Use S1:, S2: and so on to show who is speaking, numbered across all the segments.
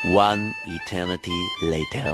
S1: One eternity later.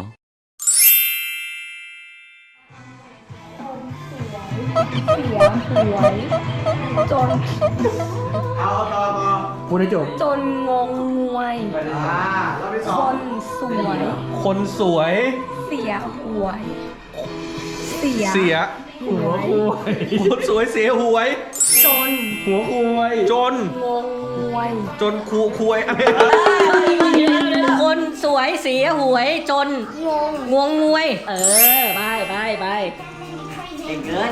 S2: จน
S3: เอาต่อ
S4: พูดให้จบ
S2: จนงงงวย
S3: รอบที่ส
S2: ค
S3: อง
S2: นสวย
S4: คนสวย
S2: เสียหวย เสีย
S4: เสียหัวคุยคนสวยเสียหวย
S2: จน
S4: หัวคุยจน
S2: งงงวย
S4: จนคุยอะไร
S5: คนสวยเสียหวยจน
S2: งง
S5: งวงงวย ไปเก่งเกิน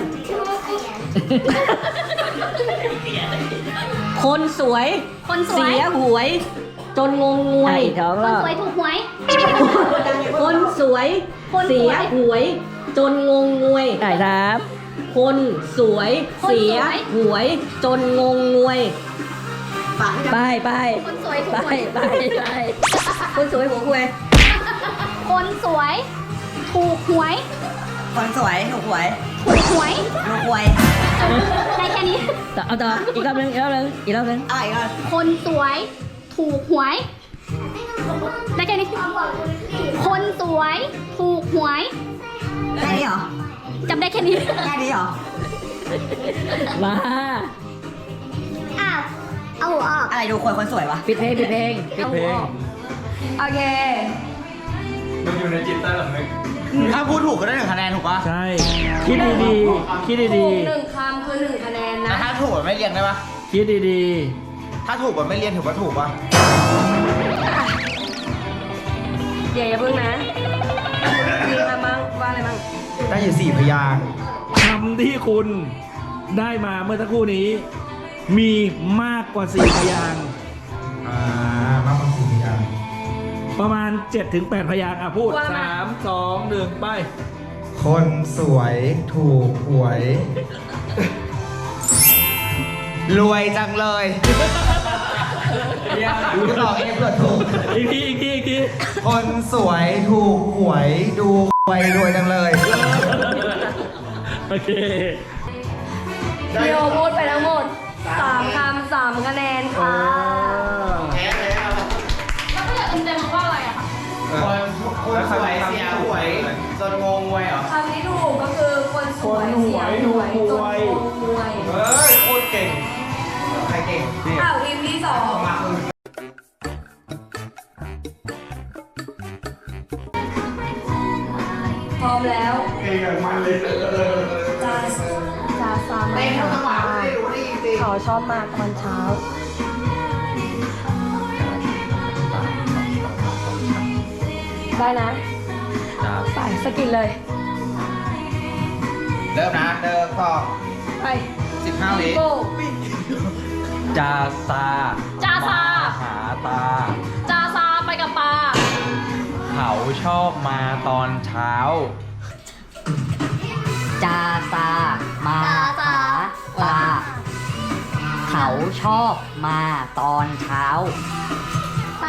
S5: คนสวย
S6: คนสวย
S5: เสียหวย จนงงงวยท้อง
S6: คน
S5: แล้ว
S6: สวยถูกหวย
S5: คนสวยเสียหวย จนงงงวยได้ครับ คนสวยเสียหวย จนงงงวยไป
S6: คนสวยถูก
S5: ไป
S6: หวย
S5: ไปคนสวยหัวคุย
S6: คนสวยถูกหวย
S5: คนสวยถูกหวย
S6: ถูกหวย
S5: ถูกหวย
S6: ได้แค่นี้
S5: เอาต่ออีกรอบนึง
S6: คนสวยถูกหวย ได้แค่นี้ คนสวยถูกหวย
S5: แค่นี้เหรอ
S6: จำได้แค่นี้
S5: แค่นี้เหรอมา
S6: อ้าวเอาหัวออก
S5: อะไรดูคนสวยวะปิดเพลง
S4: เพลง
S2: โอเค
S3: มันอยู่ในจิตใต้สำนึก
S7: ถ้าพูดถูกก็ได้1 คะแนนถูกปะ
S4: ใช่ คิดดีๆ คิด
S2: ถู
S4: ดี
S2: กหนึ่งคำคือ1 คะแนน
S7: แต่
S2: นะ
S7: ถ้าถูกแบบไม่เรียงได้ปะ
S4: ๆ คิดดี
S7: ถ้าถูกแบบไม่เรียงถือว่าถูกปะ
S2: อย่าเพิ่งนะมีอะไรบ้างว่าอะไรบ้าง
S7: ได้อยู่4 พยางค์
S4: ๆคำที่คุณได้มาเมื่อสักครู่นี้ มีมากกว่า4พยางค์
S7: มากกว่า4 พยางค์
S4: ประมาณ 7-8 พยางค์อ่ะพูด 3 2 1 ไป
S7: คนสวยถูกหวย รวยจังเลยคุณตอบเองเผื่อถูก
S4: อีกที
S7: คนสวยถูกหวยดูหวยรวยจังเลย
S4: โอเค
S2: พี่โอพูดไปทั้งหมด3 คำ 3 คะแนนค่ะ
S6: แล้วก็อยากเต็มๆว่าอะไรอะคะ
S7: คนสวยเสียหวยจนงงงวยเหรอ
S2: คำที่ถูกก็คือคนสวยเสียหวยจนงงงวย
S7: เฮ้ยโคตรเก่ง ใครเก่ง
S2: อ้าวทีมที่ 2
S7: มาคือ
S2: พร้อมแล้ว
S3: เก่งอย่างมันเลย
S2: จาซามาเขาชอบมาตอนเช้า ได้นะไปสกินเลย
S7: เริ่มนะเริ่มต่อ
S2: ไป
S7: 15 วิ
S2: โก้
S4: จาซา
S6: จาซา
S4: หาตา
S6: จาซาไปกับปลา
S4: เขาชอบมาตอนเช้า
S5: จาซามาหาปลาเขาชอบมาตอนเช้า
S6: ไป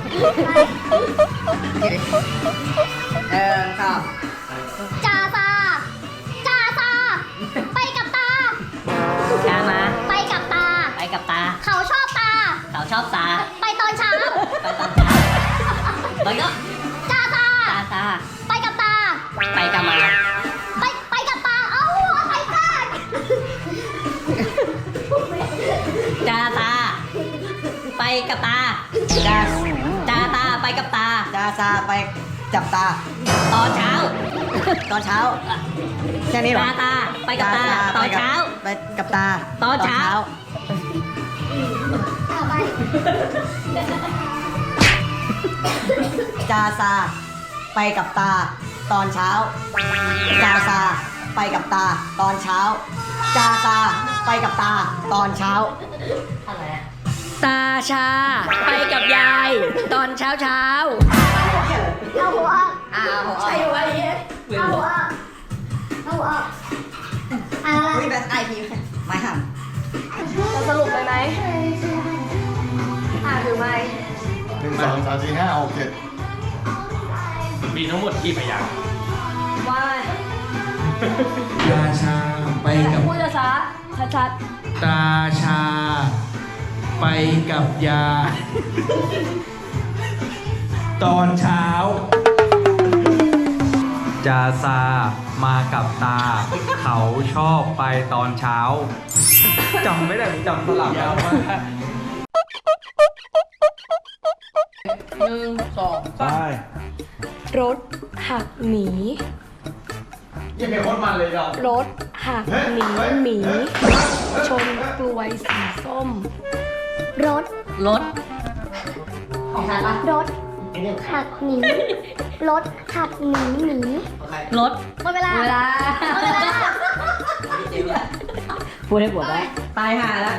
S5: ก็
S6: จาซาจาซาไปกับตา
S5: จามา
S6: ไปกับตา
S5: ไปกับตา
S6: เขาชอบตา
S5: เขาชอบตา
S6: ไปตอนเช้า
S5: ไปตอนเช้าแล้วก็
S6: จาซา
S5: ตาตา
S6: ไปกับตา
S5: ไปกับมา
S6: ไปกับตา เอ้าหัวใครพลาด
S5: จาตา ไปกับตาจาตาไปกับตาจาตาไปจับตา ตอนเช้า ตอนเช้าแค่นี้หรอตาไปกับตาตอนเช้าไปกับตาตอนเช้าจาซาไปกับตา ตอนเช้าจาซาไปกับตา ตอนเช้าจาซาไปกับตา ตอนเช้าตาชา ไปกับยาย ตอนเช้า
S6: เอาหัวออก
S5: ใช่ไหม
S6: เอาหัวออกเอาหัวออกอะไร
S5: อุ้ยแบบไอพีไม่หัน
S2: จะสรุปเลยไหมหรือไม่
S3: 1 2 3 4 5 6 7
S4: มีทั้งหมดกี่พยางค์
S2: ว่าอะไร
S4: ราชาไปกับ
S2: พูดช้าชัด
S4: ตาชา ไปกับยาตอนเช้า
S7: จาซามากับตา เขาชอบไปตอนเช้าจำไม่ได้จำสลับ
S4: ยาวมาก
S2: 1 2
S4: ไป
S2: รถหักหนี
S3: ยังเป็นคนมันเลยดอก
S2: รถหักหนีหมี ชนกลวยสีส้ม
S6: รถ
S5: รถ ของฉันปะ
S6: รถหักหนีรถหักหนีหมี
S5: รถ
S6: หมดเวลา
S5: เวลา
S6: หมดเวลา
S5: พูดให้ปวดได้ตายห่าแล้ว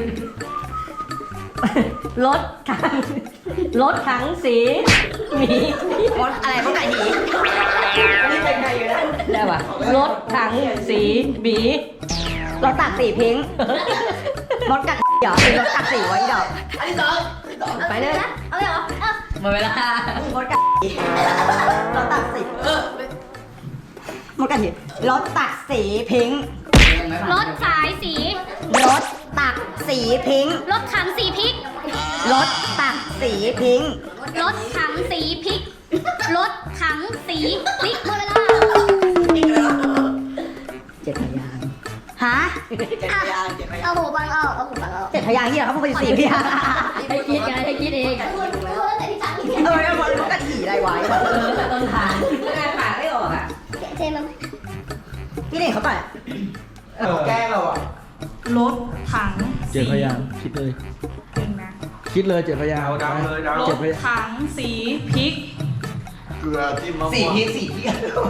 S5: รถถังสีหมีรถอะไรพวกไก่หนีนี่เป็นไงอยู่นะได้ป่ะรถถังสีหมีรถตักสีพิงค์รถกัดเหรอรถกัดสีไว้ดอกอันที่สองไปเลย
S6: เอาเลยเหรอเอา
S5: หมดเวลารถกัดรถตักสีรถกัดสีรถตักสีพิงค์
S6: รถสายสี
S5: รถตักสีพิงค์
S6: รถถังสีพริก
S5: รถตักสีพิงค์
S6: รถถังสีพริก รถถังสีพริกหมดเวลา
S5: เจ็ดพยางค์ฮะ
S6: เอาหูฟังออกเอาหูฟังออก
S5: เจ็ดพยางค์ที่เหรอครับพวกเป็นสี่พยางค์
S2: ให้คิดไงให้คิดเอง
S6: แต่ที่สาม
S5: เออแล้วมันก็ถี่อะไรวะต้นทางไม่ได้ผ่านไม่ออกอ่ะ
S6: เจมัน
S5: พี่นี่เขาไป
S7: แกล้งเราอ่ะ
S2: รถถัง
S4: เจ็ดพยางค์คิดเลย คิดเลยเจ็ดพยางค์
S7: ดาวเลยดาว
S2: ร
S4: เจ็
S2: ถ
S4: ดพยางค์
S2: ถังสีพริก
S3: เกลือจิ้มมะ
S7: สี่
S3: ม่วง
S7: พีสี่พี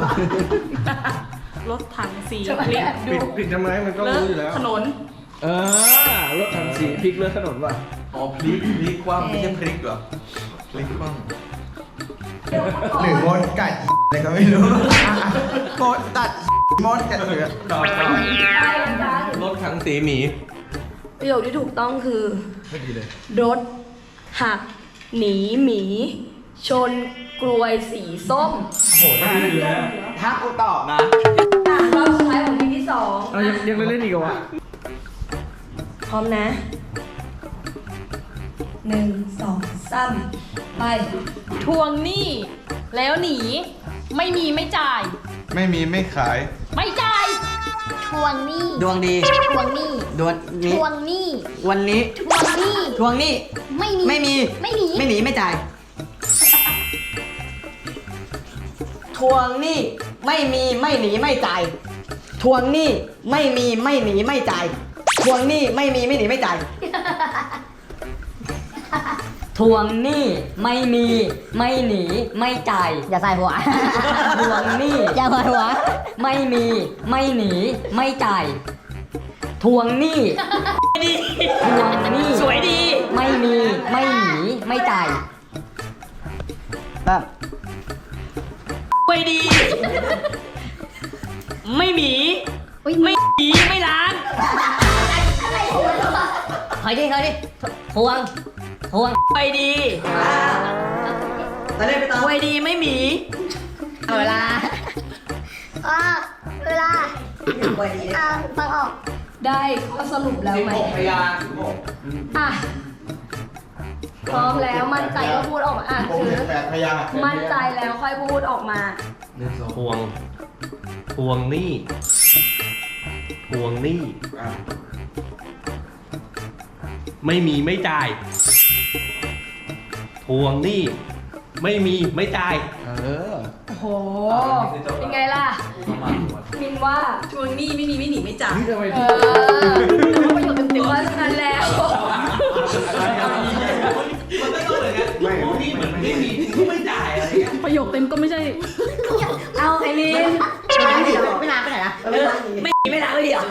S2: รถถังสีพริกดู
S7: ผิดทำไมมันก็
S2: เล
S7: รู้อยู่แล้ว
S2: ถนน
S4: รถถังสีพลิกเลือดถนนว่ะ
S7: อ๋อพลิกคว่ำไม่ใช่พลิกเหรอพลิกคว่ำ
S3: หรือมดกัดอะไรก็ไม่รู้
S7: มดตัดมดกันเลยรถถังสีหมี
S2: ประโยคที่ถูกต้องคือ
S7: ไม่ดีเลย
S2: รถหักหนีหมี ชนกลวยสีส้ม
S7: โอ้โหถ้าดีแล้วถ้ากูตอบนะ
S2: รอบสุดท้ายของทีที่สอง
S4: ยังเล่นอีกเหรอวะ
S2: พร้อมนะ 1 2 3 ไป ทวงหนี้ แล้วหนี ไม่มีไม่จ่าย
S3: ไม่มีไม่ขาย
S2: ไม่จ่าย
S6: ทวงหนี้
S5: ดวงดี
S6: ทวงหนี้
S5: ดวง
S6: ท
S5: นี้
S6: วงหนี้
S5: วันนี้
S6: ทวงหนี้
S5: ทวงหนี้
S6: ไม่มี
S5: ไม่มี
S6: ไม่หนี
S5: ไม่หนีไม่จ่าย ทวงหนี้ไม่มีไม่หนีไม่จ่าย ทวงหนี้ไม่มีไม่หนีไม่จ่าย ทวงหนี้ไม่มีไม่หนีไม่จ่าย ทวงหนี้ไม่มีไม่หนีไม่จ่าย อย่าใส่หัว ทวงหนี้อย่าใส่หัว ไม่มีไม่หนีไม่จ่าย ทวงหนี้ดีทวงหนี้สวยดี ไม่มีไม่หนีไม่จ่ายแบบไปดี ไม่หมีไม่หนีไม่ล้างเฮ้ยดิทวงไปดีตอนนี้ไปต่อไปดีไม่หมีเอาเวลา
S6: เวลาฟังออก
S2: ได้ข้อสรุปแล้วไหม
S7: พยางค์
S2: อ่ะ พร้อมแล้วมั่นใจก็พูดออกมาอ่ะ
S3: ผม
S2: คือ
S3: เห็น8 พยางค์
S2: มั่นใจแล้วค่อยพูดออกมา
S8: ทวงหนี้
S3: อ่ะ
S8: ไม่มีไม่จ่าย ทวงหนี้ไม่มีไม่จ่าย
S3: เออ
S2: โอ้โห เป็นไงล่ะ มินว่า
S9: ทวงหนี้ไม่มีไม่หนีไม่จ่าย
S2: เออประโยชน์เต็มๆว่าฉะนั้นแล้ว
S8: มันก็ต้องเหมือนกันทวงหนี้เหมือนไม่มีก็ไม่จ่ายอะไรเงี้ย
S9: ประโยคเต็มก็ไม่ใช่
S5: เอาไอ้มินไม่ล้างไปไหนนะไม่หนีไม่ล้างเลยเหรอ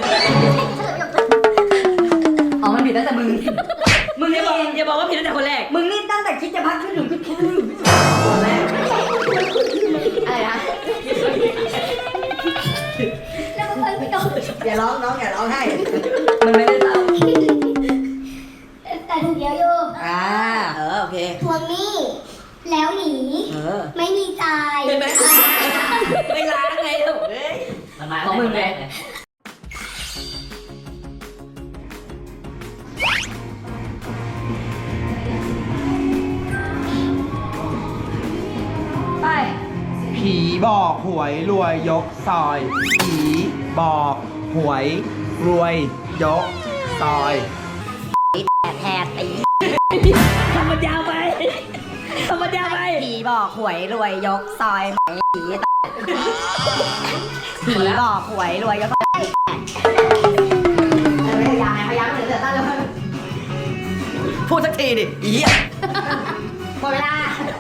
S5: อ๋อมันผิดตั้งแต่มึงอย่าบอกว่าผิดตั้งแต่คนแรก มึงนี่ตั้งแต่คิดจะพักขึ้นหนึ่งคิดคนแรกอะไรนะ
S6: แล้วก็ไปต่อ
S5: อย่าร้องน้องอย่าร้องให้มันไม่ได้เศร้า
S6: แต่ถูกเยอะอยู่
S5: โอเค
S6: ทวงหนี้ แล้วหนี ไม่มีจ่าย
S5: เห็นไหมไม่ล้างไงลูกเอ้ยของมึงเลย
S7: ผีบอกหวยรวยยกซอย ผีบอกหวยรวยยกซอย
S5: แทนตี
S2: ทำมันยาวไปทำมันยาวไป
S5: ผีบอกหวยรวยยกซอยไหมผีบอกหวยรวยยกซอยพยายามเหลือตั้งแล้วพูดสักทีดิอีอ่ะหมดเวลา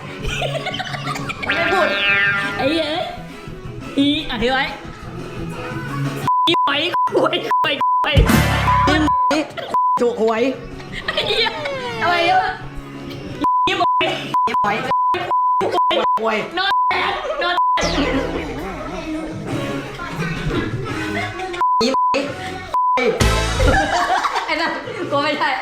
S5: ไม่พูด
S2: ไอ้เอ้ยอีอ่ะถือไว้อีหอยหวยหวยหวย
S5: จุหวย
S2: ไอ้เหี้ยอะไรวะอีหอย
S5: หวยหวย
S2: นอนแดดนอนแดด ไอ้นั่นกูไม่ใช่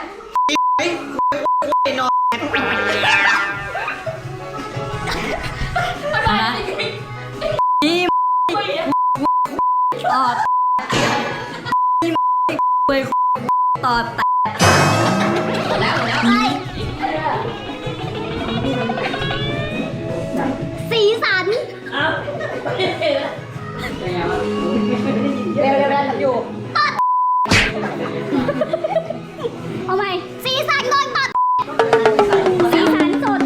S5: ตอดตอดแตกแล้ว
S6: สีสัน
S2: เอ้า
S5: เร็วอยู่
S6: เอาใหม่สีสันโดนตัดสีสันสด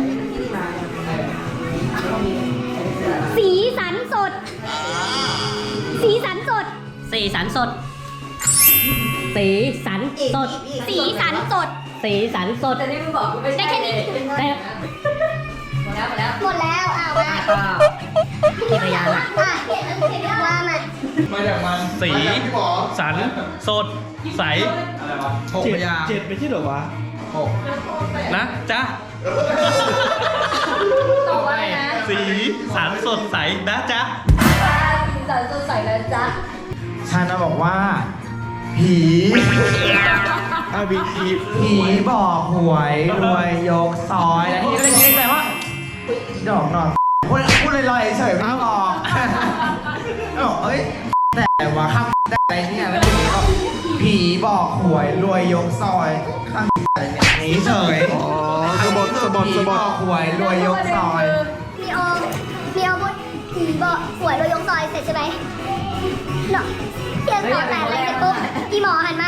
S6: สีสันสด สีสันสด
S2: สีสันสด สีสันสด
S6: สีสันสด
S2: สีสันสด
S5: แต่นี่มึงบอกกูไม่
S6: ได้
S5: ใช่
S6: แค่นี้
S2: แต่
S5: หมดแล้ว
S6: หมดแล้วอ่ะมา
S5: กี่พยานอ่ะ
S6: ว่ามา
S7: มาจากมัน
S8: สี
S3: พี่หมอ
S8: สัน สด ใส
S7: หกพยางค์
S4: 7ไม่ใช่เหรอวะ
S7: หก
S8: นะจ๊ะ
S5: ตอบว่าอะไรนะ
S8: สีสันสดใสนะจ๊ะ
S5: สีสันสดใสแล้วจ๊ะ
S7: ฉันน่ะบอกว่า ผีผีบอกหวยรวยยกซอยแล้วทีนี้ก็เลยคิดในใจว่าดอกหนอนพูดลอยๆเฉยๆไม่บอกบอกเอ้ยแต่ว่าคำแต่อะไรเนี่ยแล้วทีนี้ก็ผีบอกหวยรวยยกซอยข้างอะไรเนี่ยหนีเฉยอ๋อผีบอกหวยรวยยกซอย
S6: มีโอพูดผีบอกหวยเรายกซอยเสร็จใช่ไหมเนาะเพียงต่อแต่อะไรเสร็จปุ๊บอีหมอหันมา